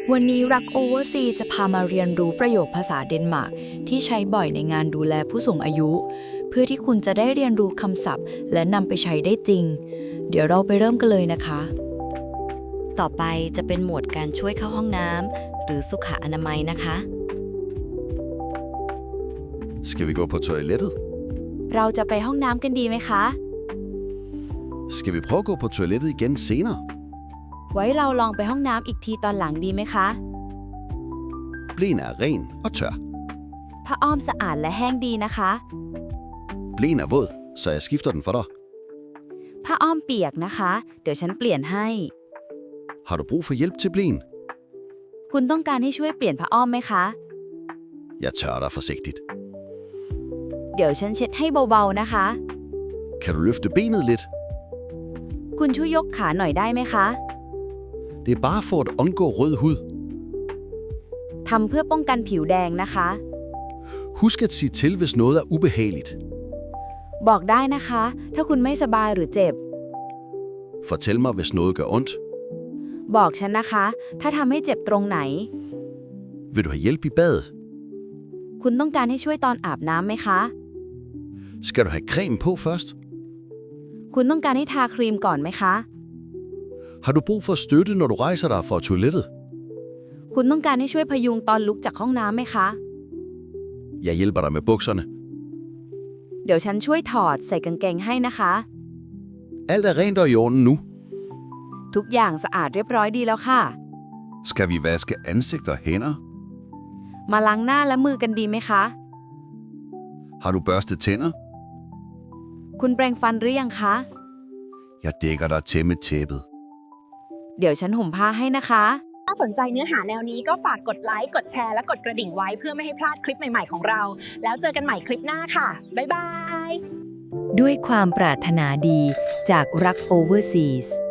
วันนี้รักโอเวอร์ซีจะพามาเรียนรู้ประโยคภาษาเดนมาร์กที่ใช้บ่อยในงานดูแลผู้สูงอายุ เพื่อที่คุณจะได้เรียนรู้คำศัพท์และนำไปใช้ได้จริง เดี๋ยวเราไปเริ่มกันเลยนะคะต่อไปจะเป็นหมวดการช่วยเข้าห้องน้ำหรือสุขอนามัยนะคะ Skal vi gå på toilettet? เราจะไปห้องน้ำกันดีไหมคะ Skal vi prøve at gå på toilettet igen senere? ไว้เราลองไปห้องน้ำอีกทีตอนหลังดีไหมคะ Blæen er ren og tør. ผ้าอ้อมสะอาดและแห้งดีนะคะ Blæen er våd, så jeg skifter den for dig. ผ้าอ้อมเปียกนะคะ เดี๋ยวฉันเปลี่ยนให้ Har du brug for hjælp til blæen? คุณต้องการให้ช่วยเปลี่ยนผ้าอ้อมไหมคะ Jeg tørrer dig forsigtigt. เดี๋ยวฉันเช็ดให้เบาๆนะคะ Kan du løfte benet lidt? คุณช่วยยกขาหน่อยได้ไหมคะ Det er bare for at undgå rød hud. ทำเพื่อป้องกันผิวแดงนะคะ Husk at sige til, hvis noget er ubehageligt. บอกได้นะคะ ถ้าคุณไม่สบายหรือเจ็บ Fortæl mig, hvis noget gør ondt. บอกฉันนะคะ ถ้าทำให้เจ็บตรงไหน Vil du have hjælp i badet? คุณต้องการให้ช่วยตอนอาบน้ำไหมคะ Skal du have creme på først? คุณต้องการให้ทาครีมก่อนไหมคะ Har du brug for støtte, når du rejser dig fra toilettet? คุณต้องการให้ช่วยพยุงตอนลุกจากห้องน้ำไหมคะ Jeg hjælper dig med bukserne. เดี๋ยวฉันช่วยถอดใส่กางเกงให้นะคะ Alt er rent og i orden nu. ทุกอย่างสะอาดเรียบร้อยดีแล้วค่ะ Skal vi vaske ansigt og hænder? มาล้างหน้าและมือกันดีไหมคะ Har du børstet tænder? คุณแปรงฟันหรือยังคะ Jeg dækker dig til med tæppet. เดี๋ยวฉันห่มผ้าให้นะคะถ้าสนใจเนื้อหาแนวนี้ก็ฝากกดไลค์ กดแชร์ และกดกระดิ่งไว้เพื่อไม่ให้พลาดคลิปใหม่ๆของเรา แล้วเจอกันใหม่คลิปหน้าค่ะ บ๊ายบายด้วยความปรารถนาดีจากรักโอเวอร์ซีส